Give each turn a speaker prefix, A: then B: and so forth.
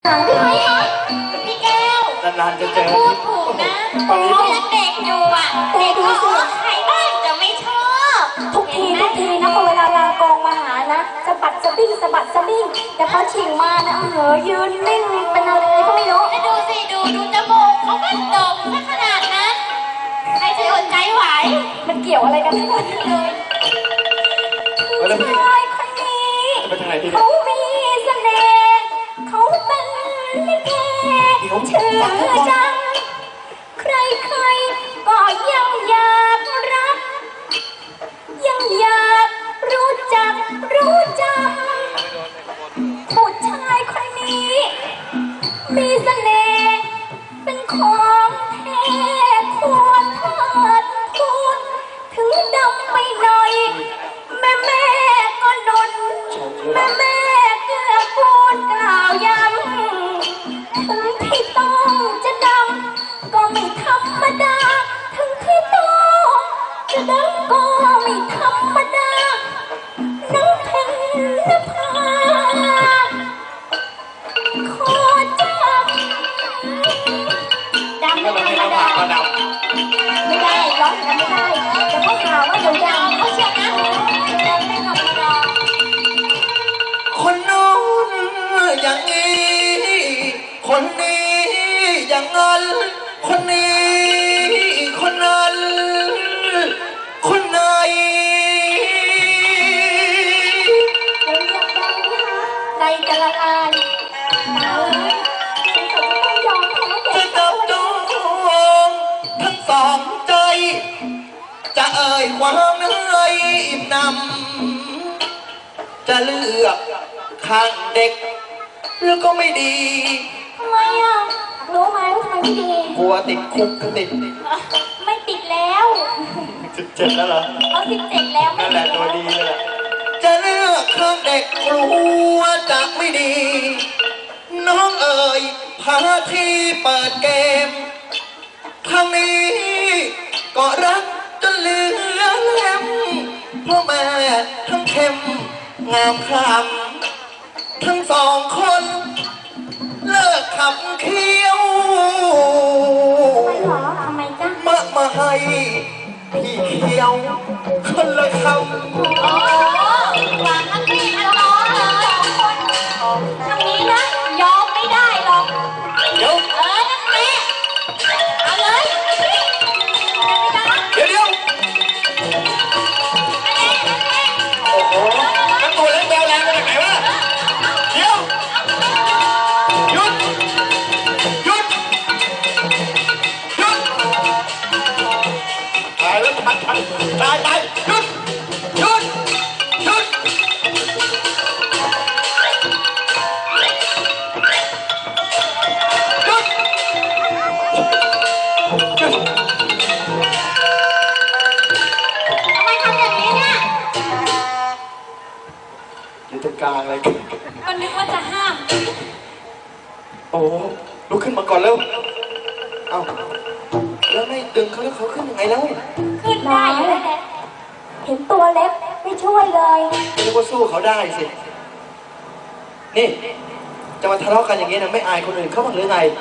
A: หางพี่ไหมคะพี่แก้วน
B: านๆจะเจอ
A: พูดถูกนะโอ้ยังเด็กอยู่อ่ะเด็กดูสิใครบ้างจะไม่ชอบ
C: ทุกทีนะพอเวลาลากองมาหานะสะบัดสะบิ้งสะบัดสะบิ้งแต่พอชิงมานะยืนนิ่งเป็นอะไรก็ไม่รู้
A: ดูสิดูจมูกเขาก็โด่งซะขนาดนั้นใครจะอดใจไหว
C: มันเกี่ยวอะไรกันทั้งหมดเลยชายคนนี้เขามีเสน่ห์เขาเป็นลิเกชื่อจังใครก็ยังอยากรักยังอยากรู้จักรู้จักผู้ชายคนนี้มีเสน่ห์เป็นของแท้ควรเถิดคุณถึงดำไปหน่อยแม่ก็นนแม่เกือกูลกล่าวย้ำถึงที่ต้องจะดำก็ไม่ธรรมดาถึงที่ต้องจะดำก็ไม่ธรรมดาน้ำเพชรนภาขอจับดำไม่ธรรมดาไม่ได้ร้องกันไม่ได้แต่เขาข่าวว่าเดี๋ยวยาวเขาเชื่อนะดำไม่ธรรมดา
B: คนนู้นอย่างนี้คนนี้อย่างนั้นคนนี้คนนั้นคนไหน
C: ใจจะละลาย
B: จะจับจองทั้งสองใจจะเอ่ยความเหนื่อยอิ่มหนำจะเลือกข้างเด็กแล้วก็ไม่ดี
C: ทำไมอ่ะรู้ไหมว่าทำไมไม่ดี
B: กลัวติดคุกก็ติด
C: ไม่ติดแล้ว
B: 17แล้วเหรอ
C: เขา17แล้ว
B: นั่นแหละตัวดีเลยจะเลือกข้างเด็กกลัวจะไม่ดีน้องเอ๋ยพาที่เปิดเกมครั้งนี้ก็รักจนเหลือเล่มเพราะแม่ทั้งเข้มงามคำทั้งสองคนเลิกขับเคี้ยว
C: ทำไมจ๊ะ
B: มาให้พี่เคี้ยวคนละคำ
A: โอ้วางทั้งพี่ทั้งน้องเลยทางนี้นะยอมไม่ได้หรอก
B: เดี๋ยว
A: นั่นแหละเอาเลย
B: เดี๋ยวโอ้โหนั่นตัวเล็กแบวแรงมาจากไหนวะเดี๋ยวหยุดตายแล้วตายหยุดอยู่ตรงกลางเลย
A: ก็นึกว่าจะห้าม
B: โอ้ลุกขึ้นมาก่อนเร็วเอ้าแล้วไม่ดึงเขาแล้วเขาขึ้นยังไงแล้ว
A: ขึ้นได้อยู่แล้ว
C: เห็นตัวเล็กไม่ช่วยเลย
B: ไม่รู้ว่าสู้เขาได้สินี่จะมาทะเลาะกันอย่างนี้นะไม่อายคนอื่นเขาบ้างหรือไง